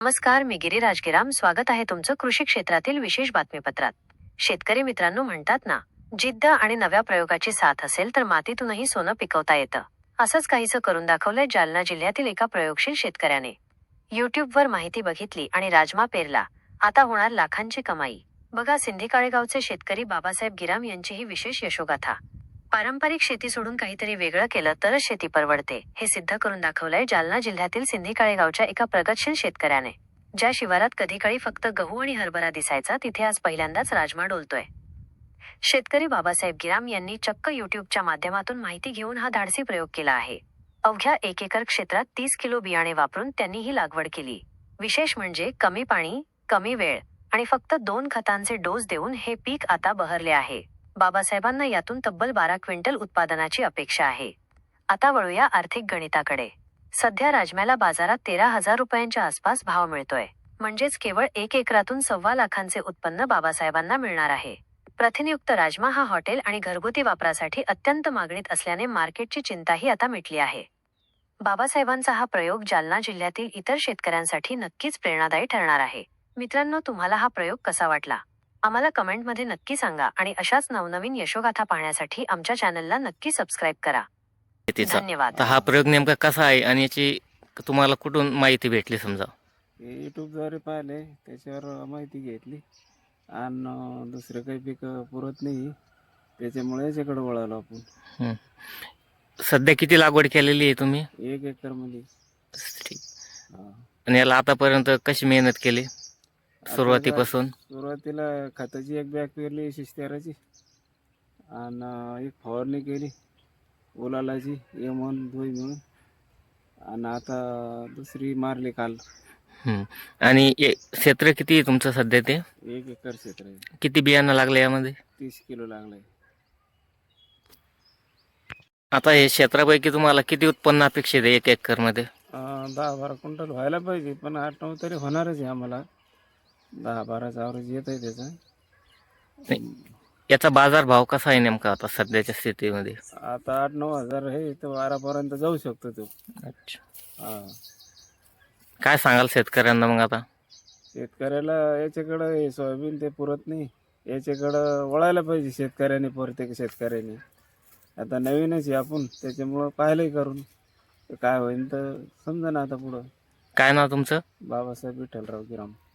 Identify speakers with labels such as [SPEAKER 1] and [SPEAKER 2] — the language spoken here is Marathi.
[SPEAKER 1] नमस्कार, मी गिरीराज गिराम. स्वागत आहे तुमचं कृषी क्षेत्रातील विशेष बातमीपत्रात. शेतकरी मित्रांनो, म्हणतात ना, जिद्द आणि नव्या प्रयोगाची साथ असेल तर मातीतूनही सोनं पिकवता येतं. असंच काहीसं करून दाखवलंय जालना जिल्ह्यातील एका प्रयोगशील शेतकऱ्याने. यूट्यूबवर माहिती बघितली आणि राजमा पेरला. आता होणार लाखांची कमाई. बघा, सिंधीकाळेगावचे शेतकरी बाबासाहेब गिराम यांची ही विशेष यशोगाथा. पारंपरिक शेती सोडून काहीतरी वेगळं केलं तरच शेती परवडते, हे सिद्ध करून दाखवलंय जालना जिल्ह्यातील सिंधीकाळेगावच्या एका प्रगतशील शेतकऱ्याने. ज्या शिवारात कधीकाळी फक्त गहू आणि हरभरा दिसायचा, तिथे आज पहिल्यांदाच राजमा डोलतोय. शेतकरी बाबासाहेब गिराम यांनी चक्क यूट्यूबच्या माध्यमातून माहिती घेऊन हा धाडसी प्रयोग केला आहे. अवघ्या 1 एकर क्षेत्रात 30 किलो बियाणे वापरून त्यांनी ही लागवड केली. विशेष म्हणजे कमी पाणी, कमी वेळ आणि फक्त 2 खतांचे डोस देऊन हे पीक आता बहरले आहे. बाबासाहेबांना यातून तब्बल 12 क्विंटल उत्पादनाची अपेक्षा आहे. आता वळूया आर्थिक गणिताकडे. सध्या राजम्याला बाजारात 13,000 रुपयांच्या आसपास भाव मिळतोय. म्हणजेच केवळ 1 एकरातून 1.25 लाखांचे उत्पन्न बाबासाहेबांना मिळणार आहे. प्रथिनयुक्त राजमा हा हॉटेल आणि घरगुती वापरासाठी अत्यंत मागणीत असल्याने मार्केटची चिंताही आता मिटली आहे. बाबासाहेबांचा हा प्रयोग जालना जिल्ह्यातील इतर शेतकऱ्यांसाठी नक्कीच प्रेरणादायी ठरणार आहे. मित्रांनो, तुम्हाला हा प्रयोग कसा वाटला? आम्हाला कमेंटमध्ये नक्की सांगा आणि अशाच नवनवीन यशोगाथा पाहण्यासाठी आमच्या चॅनलला नक्की सबस्क्राईब करा. धन्यवाद.
[SPEAKER 2] आता हा प्रयोग नेमका कसा आहे आणि याची तुम्हाला कुठून माहिती भेटली? समजा
[SPEAKER 3] यूट्यूबद्वारे पाहिले, त्याच्यावर माहिती घेतली आणि दुसरं काही पीक पुरत नाही, त्याच्यामुळे याच्याकडे वळालो आपण.
[SPEAKER 2] सध्या किती लागवड केलेली आहे तुम्ही?
[SPEAKER 3] 1 एकरमध्ये.
[SPEAKER 2] ठीक. आणि याला आतापर्यंत कशी मेहनत केली सुरुवातीपासून?
[SPEAKER 3] सुरुवातीला खताची 1 बॅग पेरली 113ची आणि 1 फवारणी केली ओलालाची M1 2 मिळून, आणि आता दुसरी मारली काल.
[SPEAKER 2] आणि क्षेत्र किती आहे तुमचं सध्या? ते
[SPEAKER 3] 1 एकर क्षेत्र आहे.
[SPEAKER 2] किती बियाणं लागलं यामध्ये?
[SPEAKER 3] 30 किलो लागलंय.
[SPEAKER 2] आता हे क्षेत्रापैकी तुम्हाला किती उत्पन्न अपेक्षित आहे 1 एकरमध्ये?
[SPEAKER 3] 10-12 क्विंटल व्हायला पाहिजे, पण 8-9 तरी होणारच आहे आम्हाला. 10-12चा ॲव्हरेज येत आहे त्याचा.
[SPEAKER 2] याचा बाजार भाव कसा आहे नेमका आता सध्याच्या स्थितीमध्ये?
[SPEAKER 3] आता 8-9 हजार आहे, तर 12पर्यंत जाऊ शकतो तो.
[SPEAKER 2] अच्छा. काय सांगाल शेतकऱ्यांना मग? आता
[SPEAKER 3] शेतकऱ्याला याच्याकडं हे सोयाबीन ते पुरत नाही, याच्याकडं वळायला पाहिजे शेतकऱ्याने, प्रत्येक शेतकऱ्याने. आता नवीनच आहे आपण, त्याच्यामुळं पाहिलंही करून काय होईल तर समजा ना आता पुढं.
[SPEAKER 2] काय नाव तुमचं?
[SPEAKER 3] बाबासाहेब विठ्ठलराव गिराम.